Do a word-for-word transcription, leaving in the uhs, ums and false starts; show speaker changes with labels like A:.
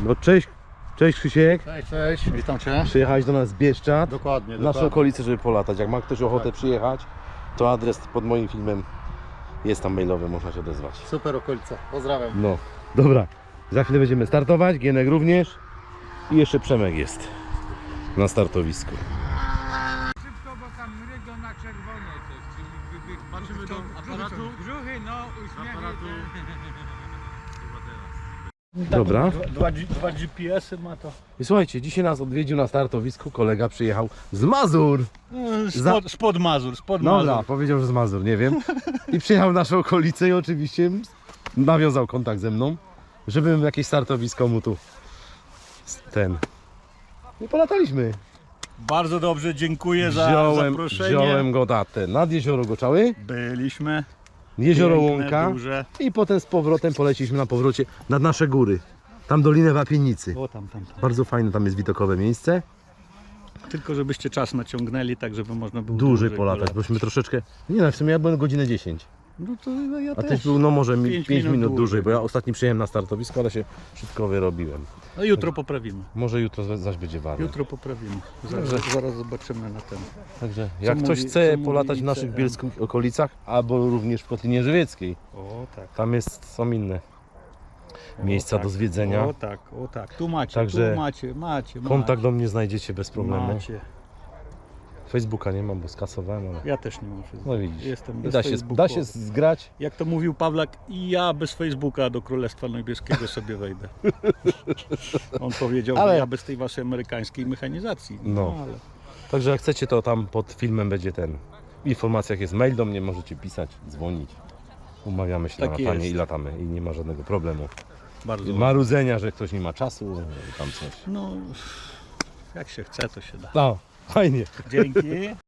A: No cześć, cześć Krzysiek.
B: Cześć, cześć, witam Cię.
A: Przyjechałeś do nas z Bieszczad.
B: Dokładnie,
A: W naszą
B: dokładnie.
A: okolicę, żeby polatać. Jak ma ktoś ochotę przyjechać, to adres pod moim filmem jest tam mailowy, można się odezwać.
B: Super okolica, pozdrawiam.
A: No, dobra. Za chwilę będziemy startować, Gienek również. I jeszcze Przemek jest na startowisku.
C: Szybko, bo tam rydą na czerwono coś, czyli gdyby...
D: Patrzymy do aparatu.
C: Brzuchy, no, uśmiechy.
D: Aparatu.
A: Dobra.
D: Dwa, dwa G P S-y ma to.
A: I słuchajcie, dzisiaj nas odwiedził na startowisku kolega, przyjechał z Mazur.
D: Spod, spod Mazur, spod
A: Dobra,
D: Mazur.
A: powiedział, że z Mazur, nie wiem. I przyjechał w naszą okolicę i oczywiście nawiązał kontakt ze mną, żebym jakieś startowisko mu tu ten. I polataliśmy.
D: Bardzo dobrze, dziękuję za
A: Wziąłem,
D: zaproszenie.
A: wziąłem go na ten, nad jezioro Goczały,
D: Byliśmy.
A: jezioro
D: Piękne,
A: Łąka
D: duże.
A: i potem z powrotem poleciliśmy na powrocie nad nasze góry. Tam Dolinę Wapienicy.
D: O, tam, tam, tam.
A: Bardzo fajne, tam jest widokowe miejsce.
D: Tylko żebyście czas naciągnęli, tak żeby można było
A: Dłużej polatać, bośmy troszeczkę, nie no, w sumie ja byłem godzinę dziesięć.
D: No to no ja
A: A
D: też.
A: też był no może mi
D: Pięć
A: pięć
D: minut
A: minut
D: dłużej.
A: dłużej, bo ja ostatni przyjechałem na startowisko, ale się szybko wyrobiłem.
D: No jutro poprawimy.
A: Może jutro zaś będzie warto.
D: Jutro poprawimy. Zaraz, zaraz zobaczymy na ten.
A: Także jak
D: Co
A: ktoś
D: mówi-
A: chce
D: co mówi
A: polatać w
D: I C
A: naszych
D: M?
A: bielskich okolicach, albo również w Kotlinie Żywieckiej,
D: O tak.
A: tam jest, są inne
D: O,
A: miejsca
D: tak.
A: do zwiedzenia.
D: O tak, o tak. Tu macie,
A: Także
D: tu macie, macie, macie.
A: Kontakt do mnie znajdziecie bez problemu.
D: Macie.
A: Facebooka nie mam, bo skasowałem, ale
D: Ja też nie mam Facebooka.
A: no widzisz.
D: Jestem
A: I
D: bez
A: da się,
D: Facebooka.
A: da się zgrać.
D: Jak to mówił Pawlak, i ja bez Facebooka do Królestwa Niebieskiego sobie wejdę. On powiedział,
A: Ale-
D: że ja bez tej waszej amerykańskiej mechanizacji.
A: No.
D: ale
A: Także jak chcecie, to tam pod filmem będzie ten. W informacjach jest mail do mnie, możecie pisać, dzwonić. Umawiamy się
D: Tak
A: na latanie
D: jest.
A: i latamy i nie ma żadnego problemu.
D: bardzo.
A: Marudzenia, że ktoś nie ma czasu, tam coś.
D: No, jak się chce, to się da.
A: No, fajnie.
D: Dzięki.